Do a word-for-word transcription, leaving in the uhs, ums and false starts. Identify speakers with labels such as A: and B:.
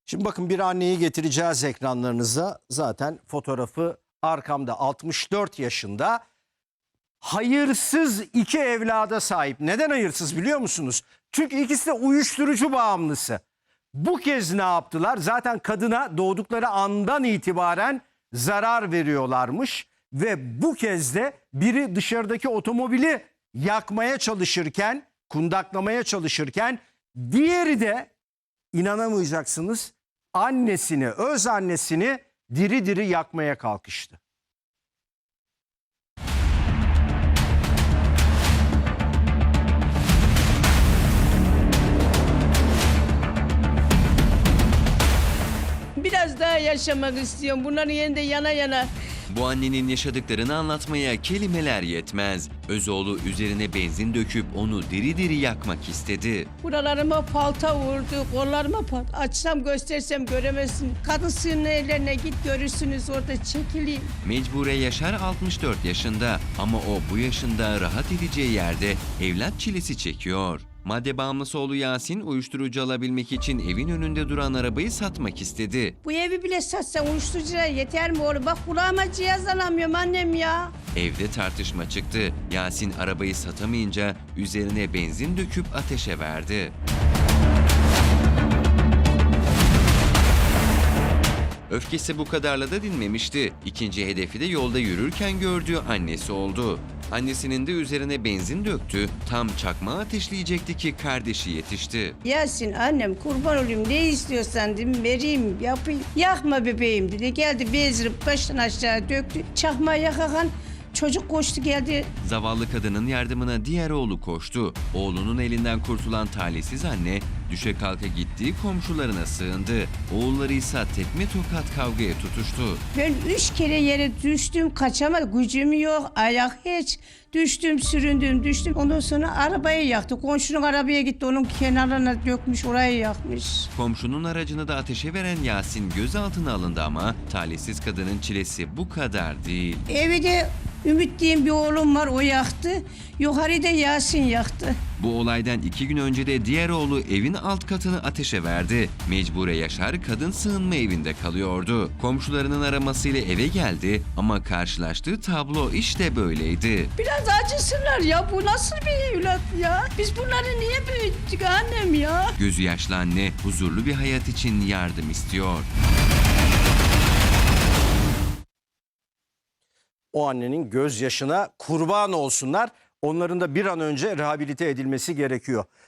A: Şimdi bakın, bir anneyi getireceğiz ekranlarınıza. Zaten fotoğrafı arkamda. altmış dört yaşında. Hayırsız iki evlada sahip. Neden hayırsız biliyor musunuz? Çünkü ikisi de uyuşturucu bağımlısı. Bu kez ne yaptılar? Zaten kadına doğdukları andan itibaren zarar veriyorlarmış. Ve bu kez de biri dışarıdaki otomobili yakmaya çalışırken, kundaklamaya çalışırken, diğeri de, İnanamayacaksınız, annesini, öz annesini diri diri yakmaya kalkıştı.
B: Biraz daha yaşamak istiyorum. Bunların yerinde yana yana.
C: Bu annenin yaşadıklarını anlatmaya kelimeler yetmez. Özoğlu üzerine benzin döküp onu diri diri yakmak istedi.
B: Buralarıma palta vurdu, kollarıma palta. Açsam göstersem göremezsin. Kadın sığınma evlerine git, görürsünüz orada, çekileyim.
C: Mecbure Yaşar altmış dört yaşında ama o bu yaşında rahat edeceği yerde evlat çilesi çekiyor. Madde bağımlısı oğlu Yasin uyuşturucu alabilmek için evin önünde duran arabayı satmak istedi.
B: Bu evi bile satsan uyuşturucuya yeter mi oğlum? Bak kulağıma cihaz alamıyorum annem ya.
C: Evde tartışma çıktı. Yasin arabayı satamayınca üzerine benzin döküp ateşe verdi. Öfkesi bu kadarla da dinmemişti. İkinci hedefi de yolda yürürken gördüğü annesi oldu. Annesinin de üzerine benzin döktü. Tam çakmağı ateşleyecekti ki kardeşi yetişti.
B: Yasin annem kurban olayım, ne istiyorsan dedim vereyim yapayım. Yakma bebeğim dedi, geldi bezirip baştan aşağı döktü. Çakmağı yakakan çocuk koştu geldi.
C: Zavallı kadının yardımına diğer oğlu koştu. Oğlunun elinden kurtulan talihsiz anne düşe kalka gittiği komşularına sığındı. Oğulları ise tekme tokat kavgaya tutuştu.
B: Ben üç kere yere düştüm, kaçamadım. Gücüm yok, ayak hiç. Düştüm, süründüm, düştüm. Ondan sonra arabayı yaktı. Komşunun arabaya gitti, onun kenarına dökmüş, orayı yakmış.
C: Komşunun aracını da ateşe veren Yasin gözaltına alındı ama talihsiz kadının çilesi bu kadar değil.
B: Evde Ümit diyeyim bir oğlum var, o yaktı. Yukarıda Yasin yaktı.
C: Bu olaydan iki gün önce de diğer oğlu evin alt katını ateşe verdi. Mecbure Yaşar kadın sığınma evinde kalıyordu. Komşularının aramasıyla eve geldi ama karşılaştığı tablo işte böyleydi.
B: Biraz acısınlar ya, bu nasıl bir evlat ya? Biz bunları niye büyüttük annem ya?
C: Gözü yaşlı anne huzurlu bir hayat için yardım istiyor.
A: O annenin gözyaşına kurban olsunlar. Onların da bir an önce rehabilite edilmesi gerekiyor.